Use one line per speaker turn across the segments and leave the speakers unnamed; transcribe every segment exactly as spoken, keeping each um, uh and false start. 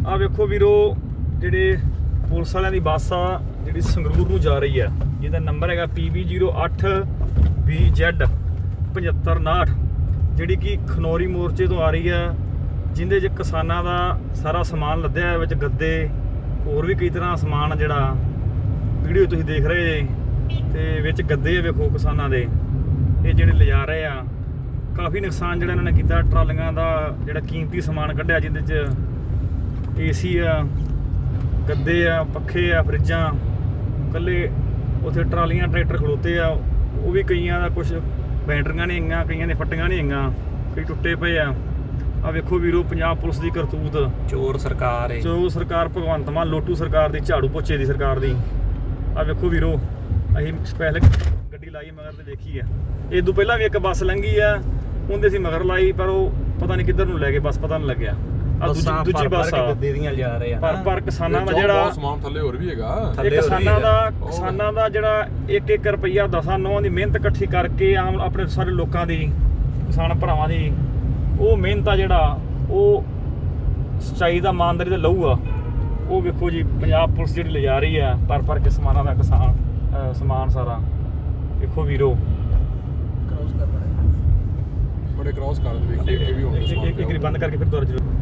ਆ ਵੇਖੋ ਵੀਰੋ, ਜਿਹੜੇ ਪੁਲਿਸ ਵਾਲਿਆਂ ਦੀ ਬੱਸ ਆ ਜਿਹੜੀ ਸੰਗਰੂਰ ਨੂੰ ਜਾ ਰਹੀ ਆ, ਜਿਹਦਾ ਨੰਬਰ ਹੈਗਾ ਪੀ ਬੀ ਜ਼ੀਰੋ ਅੱਠ ਬੀ ਜ਼ੈਡ ਪਝੱਤਰ ਉਨਾਹਠ, ਜਿਹੜੀ ਕਿ ਖਨੌਰੀ ਮੋਰਚੇ ਤੋਂ ਆ ਰਹੀ ਆ, ਜਿੰਦੇ 'ਚ ਕਿਸਾਨਾਂ ਦਾ ਸਾਰਾ ਸਮਾਨ ਲੱਦਿਆ ਹੈ, ਵਿੱਚ ਗੱਦੇ ਹੋਰ ਵੀ ਕਈ ਤਰ੍ਹਾਂ ਸਮਾਨ ਜਿਹੜਾ ਵੀਡੀਓ ਤੁਸੀਂ ਦੇਖ ਰਹੇ ਜੇ, ਤੇ ਵਿੱਚ ਗੱਦੇ ਵੇਖੋ ਕਿਸਾਨਾਂ ਦੇ, ਇਹ ਜਿਹੜੇ ਲਿਜਾ ਰਹੇ ਆ। ਕਾਫੀ ਨੁਕਸਾਨ ਜਿਹੜਾ ਇਹਨਾਂ ਨੇ ਕੀਤਾ, ਟਰਾਲੀਆਂ ਦਾ ਜਿਹੜਾ ਕੀਮਤੀ ਸਮਾਨ ਕੱਢਿਆ, ਜਿਹਦੇ 'ਚ ਏਸੀ ਆ, ਗੱਦੇ ਆ, ਪੱਖੇ ਆ, ਫਰਿੱਜਾਂ, ਇਕੱਲੇ ਉੱਥੇ ਟਰਾਲੀਆਂ ਟਰੈਕਟਰ ਖਲੋਤੇ ਆ, ਉਹ ਵੀ ਕਈਆਂ ਦਾ ਕੁਝ ਬੈਟਰੀਆਂ ਨਹੀਂ ਹੈਗੀਆਂ, ਕਈਆਂ ਦੇ ਫੱਟੀਆਂ ਨਹੀਂ ਹੈਗੀਆਂ, ਕਈ ਟੁੱਟੇ ਪਏ ਆ। ਆ ਵੇਖੋ ਵੀਰੋ, ਪੰਜਾਬ ਪੁਲਿਸ ਦੀ ਕਰਤੂਤ,
ਚੋਰ ਸਰਕਾਰ ਹੈ,
ਚੋਰ ਸਰਕਾਰ, ਭਗਵੰਤ ਮਾਨ ਲੋਟੂ ਸਰਕਾਰ ਦੀ, ਝਾੜੂ ਪੋਚੇ ਦੀ ਸਰਕਾਰ ਦੀ। ਆ ਵੇਖੋ ਵੀਰੋ, ਅਸੀਂ ਸਪੈਸ਼ਲ ਗੱਡੀ ਲਾਈ ਮਗਰ ਤੇ ਵੇਖੀ ਆ। ਇਹ ਤੋਂ ਪਹਿਲਾਂ ਵੀ ਇੱਕ ਬੱਸ ਲੰਘੀ ਆ, ਉਹਦੇ ਸੀ ਮਗਰ ਲਾਈ, ਪਰ ਉਹ ਪਤਾ ਨਹੀਂ ਕਿੱਧਰ ਨੂੰ ਲੈ ਗਏ, ਬੱਸ ਪਤਾ ਨਹੀਂ ਲੱਗਿਆ। ਆ ਦੂਜੀ ਦੂਜੀ ਬੱਸ ਆ,
ਗੱਦੇ ਦੀਆਂ ਜਾ ਰਹੇ ਆ,
ਪਰ ਪਰ ਕਿਸਾਨਾਂ ਦਾ ਜਿਹੜਾ
ਸਮਾਨ ਥੱਲੇ ਹੋਰ ਵੀ ਹੈਗਾ,
ਇਹ ਕਿਸਾਨਾਂ ਦਾ ਕਿਸਾਨਾਂ ਦਾ ਜਿਹੜਾ ਇੱਕ ਇੱਕ ਰੁਪਈਆ ਦਸਾਂ ਨੌਂ ਦੀ ਮਿਹਨਤ ਇਕੱਠੀ ਕਰਕੇ ਆਮ ਆਪਣੇ ਸਾਰੇ ਲੋਕਾਂ ਦੀ, ਕਿਸਾਨ ਭਰਾਵਾਂ ਦੀ, ਉਹ ਮਿਹਨਤ ਆ ਜਿਹੜਾ ਉਹ ਸੱਚਾਈ ਦਾ ਇਮਾਨਦਾਰੀ ਦਾ ਲਹੂ ਆ, ਉਹ ਵੇਖੋ ਜੀ ਪੰਜਾਬ ਪੁਲਿਸ ਜਿਹੜੀ ਲਿਜਾ ਰਹੀ ਆ ਪਰ ਪਰ ਕੇ ਸਮਾਨਾਂ ਦਾ ਕਿਸਾਨ ਸਮਾਨ ਸਾਰਾ। ਵੇਖੋ ਵੀਰੋ,
ਬੜੇ ਕ੍ਰਾਸ ਕਰ ਦੇ ਵੇਖੀ ਇਹ ਵੀ ਹੋਣੀ
ਇੱਕ ਇੱਕ ਬੰਦ ਕਰਕੇ ਫਿਰ ਦੁਬਾਰਾ ਜ਼ਰੂਰ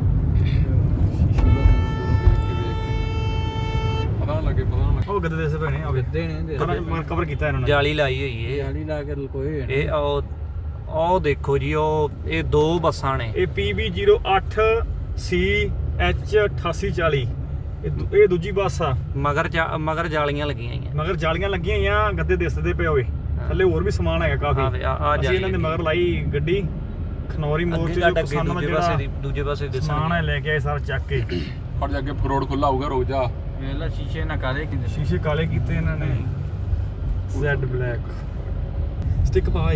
ਪਤਾ ਨਾ ਲੱਗੇ, ਪਤਾ ਨਾ ਲੱਗੇ।
ਉਹ ਗੱਦੇ ਦੇ ਭੈਣੇ ਆ
ਗੱਦੇ ਨੇ
ਕਵਰ ਕੀਤਾ ਇਹਨਾਂ ਨੇ,
ਜਾਲੀ ਲਾਈ ਹੋਈ ਹੈ, ਜਾਲੀ ਲਾ ਕੇ ਲਕੋਏ ਇਹ। ਉਹ ਉਹ ਦੇਖੋ ਜੀ, ਉਹ ਇਹ ਦੋ ਬੱਸਾਂ ਨੇ,
ਇਹ ਪੀ ਬੀ ਜ਼ੀਰੋ ਅੱਠ ਸੀ ਐਚ ਅਠਾਸੀ ਚਾਲੀ, ਇਹ ਦੂਜੀ ਬੱਸ ਆ।
ਮਗਰ ਮਗਰ ਜਾਲੀਆਂ ਲੱਗੀਆਂ ਹੋਈਆਂ,
ਮਗਰ ਜਾਲੀਆਂ ਲੱਗੀਆਂ ਹੋਈਆਂ, ਗੱਦੇ ਦਿਸਦੇ ਪਏ ਹੋਏ, ਥੱਲੇ ਹੋਰ ਵੀ ਸਮਾਨ ਹੈਗਾ ਕਾਫੀ। ਅਸੀਂ ਇਹਨਾਂ ਦੇ ਮਗਰ ਲਾਈ ਗੱਡੀ, ਖਨੌਰੀ ਮੋਰਚੇ ਦੇ ਕਿਸਾਨਾਂ ਦਾ ਜਿਹੜਾ
ਦੂਜੇ ਪਾਸੇ
ਸਮਾਨ ਹੈ ਲੈ ਕੇ ਆਏ ਸਾਰਾ ਚੱਕ ਕੇ।
ਫੜ ਜਾ ਕੇ ਰੋਡ ਖੁੱਲਾ ਹੋਊਗਾ, ਰੁਕ ਜਾ।
ਵੇਲਾ ਸ਼ੀਸ਼ੇ ਨਾ ਕਾਲੇ ਕੀਤੇ,
ਸ਼ੀਸ਼ੇ ਕਾਲੇ ਕੀਤੇ ਇਹਨਾਂ ਨੇ, ਜ਼ੈਡ ਬਲੈਕ ਸਟਿਕ ਪਾਏ।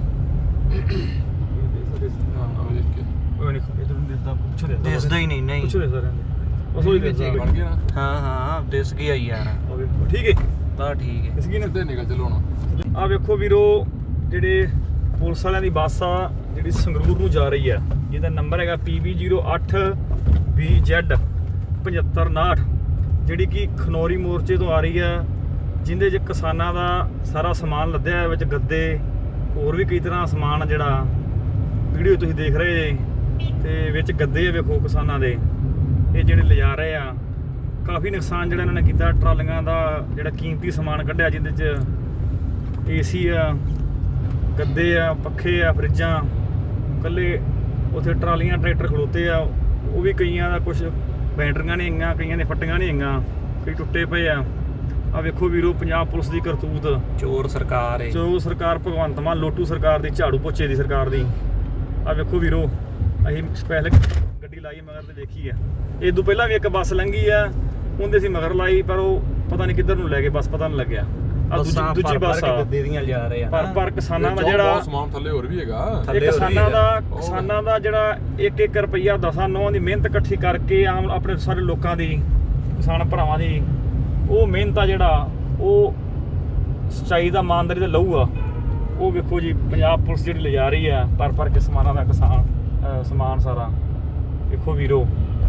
ਉਹ ਨਹੀਂ ਇਧਰ ਨੂੰ ਦਿਸਦਾ, ਪੁੱਛੋ ਦੇ
ਦਿਸਦਾ ਹੀ ਨਹੀਂ, ਨਹੀਂ
ਪੁੱਛੋ ਦੇ ਸਾਰਿਆਂ ਦੇ, ਬਸ ਉਹੀ ਦਿਸਦਾ
ਬਣ ਗਿਆ ਨਾ।
ਹਾਂ ਹਾਂ ਦਿਸ ਗਿਆ ਯਾਰ,
ਠੀਕ ਹੈ
ਤਾਂ ਠੀਕ ਹੈ।
ਇਸ ਕੀ
ਸਿੱਧੇ ਨਿਕਲ ਚਲੋ ਹੁਣ।
ਆ ਵੇਖੋ ਵੀਰੋ, ਜਿਹੜੇ ਪੁਲਿਸ ਵਾਲਿਆਂ ਦੀ ਬੱਸ ਆ ਜਿਹੜੀ ਸੰਗਰੂਰ ਨੂੰ ਜਾ ਰਹੀ ਆ, ਜਿਹਦਾ ਨੰਬਰ ਹੈਗਾ ਪੀ ਬੀ ਜ਼ੀਰੋ ਅੱਠ ਬੀ ਜ਼ੈਡ ਪਝੱਤਰ ਉਨਾਹਠ, ਜਿਹੜੀ ਕਿ ਖਨੌਰੀ ਮੋਰਚੇ ਤੋਂ ਆ ਰਹੀ ਆ, ਜਿੰਦੇ 'ਚ ਕਿਸਾਨਾਂ ਦਾ ਸਾਰਾ ਸਮਾਨ ਲੱਦਿਆ ਹੈ, ਵਿੱਚ ਗੱਦੇ ਹੋਰ ਵੀ ਕਈ ਤਰ੍ਹਾਂ ਸਮਾਨ ਜਿਹੜਾ ਵੀਡੀਓ ਤੁਸੀਂ ਦੇਖ ਰਹੇ ਜੇ, ਤੇ ਵਿੱਚ ਗੱਦੇ ਵੇਖੋ ਕਿਸਾਨਾਂ ਦੇ, ਇਹ ਜਿਹੜੇ ਲਿਜਾ ਰਹੇ ਆ। ਕਾਫੀ ਨੁਕਸਾਨ ਜਿਹੜਾ ਇਹਨਾਂ ਨੇ ਕੀਤਾ, ਟਰਾਲੀਆਂ ਦਾ ਜਿਹੜਾ ਕੀਮਤੀ ਸਮਾਨ ਕੱਢਿਆ, ਜਿਹਦੇ 'ਚ ਏਸੀ ਆ, ਗੱਦੇ ਆ, ਪੱਖੇ ਆ, ਫਰਿੱਜਾਂ, ਇਕੱਲੇ ਉੱਥੇ ਟਰਾਲੀਆਂ ਟਰੈਕਟਰ ਖਲੋਤੇ ਆ, ਉਹ ਵੀ ਕਈਆਂ ਦਾ ਕੁਝ ਬੈਟਰੀਆਂ ਨਹੀਂ ਹੈਗੀਆਂ, ਕਈਆਂ ਦੇ ਫੱਟੀਆਂ ਨਹੀਂ ਹੈਗੀਆਂ, ਕਈ ਟੁੱਟੇ ਪਏ ਆ। ਆ ਵੇਖੋ ਵੀਰੋ, ਪੰਜਾਬ ਪੁਲਿਸ ਦੀ ਕਰਤੂਤ,
ਚੋਰ ਸਰਕਾਰ ਹੈ,
ਚੋਰ ਸਰਕਾਰ, ਭਗਵੰਤ ਮਾਨ ਲੋਟੂ ਸਰਕਾਰ ਦੀ, ਝਾੜੂ ਪੋਚੇ ਦੀ ਸਰਕਾਰ ਦੀ। ਆ ਵੇਖੋ ਵੀਰੋ, ਅਸੀਂ ਸਪੈਸ਼ਲ ਗੱਡੀ ਲਾਈ ਮਗਰ ਤੇ ਵੇਖੀ ਆ। ਇਹ ਤੋਂ ਪਹਿਲਾਂ ਵੀ ਇੱਕ ਬੱਸ ਲੰਘੀ ਆ, ਉਹਦੇ ਸੀ ਮਗਰ ਲਾਈ, ਪਰ ਉਹ ਪਤਾ ਨਹੀਂ ਕਿੱਧਰ ਨੂੰ ਲੈ ਗਏ, ਬੱਸ ਪਤਾ ਨਹੀਂ ਲੱਗਿਆ। ਆ ਦੂਜੀ ਦੂਜੀ ਬੱਸ ਆ,
ਗੱਦੇ ਦੀਆਂ ਜਾ ਰਹੇ ਆ,
ਪਰ ਪਰ ਕਿਸਾਨਾਂ ਦਾ ਜਿਹੜਾ
ਸਮਾਨ ਥੱਲੇ ਹੋਰ ਵੀ ਹੈਗਾ,
ਇਹ ਕਿਸਾਨਾਂ ਦਾ ਕਿਸਾਨਾਂ ਦਾ ਜਿਹੜਾ ਇੱਕ ਇੱਕ ਰੁਪਈਆ ਦਸਾਂ ਨੌਂ ਦੀ ਮਿਹਨਤ ਇਕੱਠੀ ਕਰਕੇ ਆਮ ਆਪਣੇ ਸਾਰੇ ਲੋਕਾਂ ਦੀ, ਕਿਸਾਨ ਭਰਾਵਾਂ ਦੀ, ਉਹ ਮਿਹਨਤ ਆ ਜਿਹੜਾ ਉਹ ਸੱਚਾਈ ਦਾ ਇਮਾਨਦਾਰੀ ਦਾ ਲਹੂ ਆ, ਉਹ ਵੇਖੋ ਜੀ ਪੰਜਾਬ ਪੁਲਿਸ ਜਿਹੜੀ ਲਿਜਾ ਰਹੀ ਆ ਪਰ ਪਰ ਕੇ ਸਮਾਨਾਂ ਦਾ ਕਿਸਾਨ ਸਮਾਨ ਸਾਰਾ। ਵੇਖੋ ਵੀਰੋ,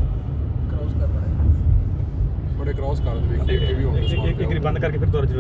ਬੜੇ ਕ੍ਰਾਸ ਕਰ ਦੇ ਵੇਖੀ ਇਹ ਵੀ ਹੋਣੀ
ਇੱਕ ਇੱਕ ਬੰਦ ਕਰਕੇ ਫਿਰ ਦੁਬਾਰਾ ਜ਼ਰੂਰ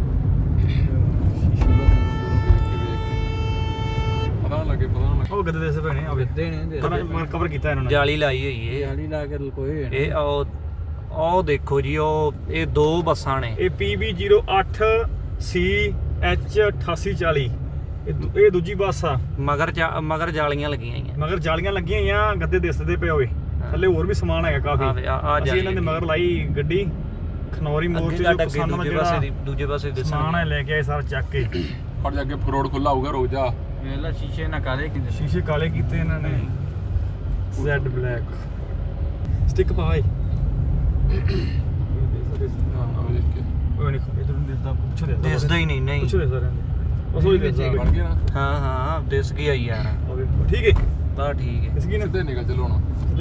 ਪਤਾ ਨਾ ਲੱਗੇ, ਪਤਾ ਨਾ ਲੱਗੇ।
ਉਹ ਗੱਦੇ ਦੇ ਭੈਣੇ ਆ,
ਗੱਦੇ ਨੇ
ਕਵਰ ਕੀਤਾ ਇਹਨਾਂ ਨੇ,
ਜਾਲੀ ਲਾਈ ਹੋਈ ਹੈ, ਜਾਲੀ ਲਾ ਕੇ ਲਕੋਏ ਇਹ। ਉਹ ਉਹ ਦੇਖੋ ਜੀ, ਉਹ ਇਹ ਦੋ ਬੱਸਾਂ ਨੇ,
ਇਹ ਪੀ ਬੀ ਜ਼ੀਰੋ ਅੱਠ ਸੀ ਐਚ ਅਠਾਸੀ ਚਾਲੀ, ਇਹ ਦੂਜੀ ਬੱਸ ਆ।
ਮਗਰ ਮਗਰ ਜਾਲੀਆਂ ਲੱਗੀਆਂ ਹੋਈਆਂ,
ਮਗਰ ਜਾਲੀਆਂ ਲੱਗੀਆਂ ਹੋਈਆਂ, ਗੱਦੇ ਦਿਸਦੇ ਪਏ ਹੋਏ, ਥੱਲੇ ਹੋਰ ਵੀ ਸਮਾਨ ਹੈਗਾ ਕਾਫੀ। ਅਸੀਂ ਇਹਨਾਂ ਦੇ ਮਗਰ ਲਾਈ ਗੱਡੀ, ਖਨੌਰੀ ਮੋਰਚੇ ਦੇ ਕਿਸਾਨਾਂ ਦਾ ਜਿਹੜਾ
ਦੂਜੇ ਪਾਸੇ
ਸਮਾਨ ਹੈ ਲੈ ਕੇ ਆਏ ਸਾਰਾ ਚੱਕ ਕੇ।
ਫੜ ਜਾ ਕੇ ਰੋਡ ਖੁੱਲਾ ਹੋਊਗਾ, ਰੁਕ ਜਾ।
ਵੇਲਾ ਸ਼ੀਸ਼ੇ ਨਾ ਕਾਲੇ ਕੀਤੇ,
ਸ਼ੀਸ਼ੇ ਕਾਲੇ ਕੀਤੇ ਇਹਨਾਂ ਨੇ, ਜ਼ੈਡ ਬਲੈਕ ਸਟਿਕ ਪਾਏ। ਉਹ ਨਹੀਂ ਇਧਰ ਨੂੰ ਦਿਸਦਾ, ਪੁੱਛੋ ਦੇ
ਦਿਸਦਾ ਹੀ ਨਹੀਂ, ਨਹੀਂ
ਪੁੱਛੋ ਦੇ ਸਾਰਿਆਂ ਦੇ, ਬਸ ਉਹੀ ਦਿਸਦਾ।
ਬਣ ਗਿਆ ਨਾ।
ਹਾਂ ਹਾਂ ਦਿਸ ਗਿਆ ਯਾਰ,
ਠੀਕ ਹੈ,
ਤਾਂ ਠੀਕ ਹੈ।
ਸਿੱਧੇ ਨਿਕਲ ਚਲੋ ਹੁਣ।